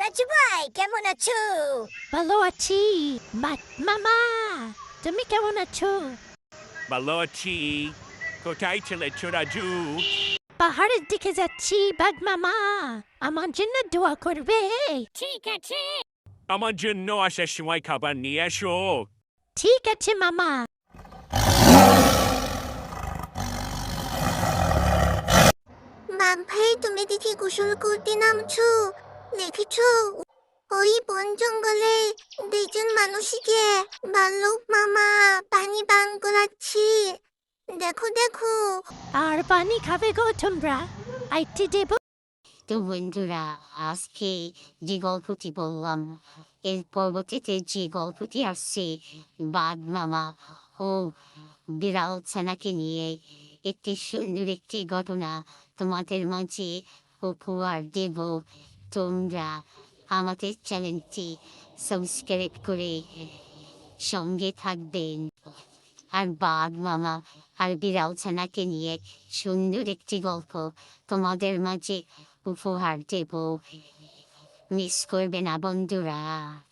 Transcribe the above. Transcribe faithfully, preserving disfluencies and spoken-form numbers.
রাজু ভাই কেমন আছো? ভালো আছি। মা- মামা, তুমি কেমন আছো? ভালো আছি। কোথায় চলেছ রাজু? পাহাড়ের দিকে যাচ্ছি বাঘ মামা, আমার জন্য দোয়া করবে। ঠিক আছে। আমার জন্য আসার সময় খাবার নিয়ে এসো। ঠিক আছে মামা। বাঘ ভাই তুমি দেখি গোসল করতে নামছো, দেখেছো ওই বন জঙ্গলে দুইজন মানুষকে ভাল্লুক মামা পানি পান করাচ্ছে। দেখো দেখো। আর পানি খাবে গো তোমরা? আইটি দেব। তো বন্ধুরা, আজকে যে গল্পটি বললাম এর পরবর্তীতে যে গল্পটি আসছে বাঘ মামা ও বিড়াল ছানাকে নিয়ে একটি সুন্দর একটি ঘটনা তোমাদের মাঝে উপহার দেব। তোমরা আমাদের চ্যানেলটি সাবস্ক্রাইব করে সঙ্গে থাকবেন আর বাঘ মামা আর বিড়াল ছানাকে নিয়ে সুন্দর একটি গল্প তোমাদের মাঝে উপহার দেব। মিস করবে না বন্ধুরা।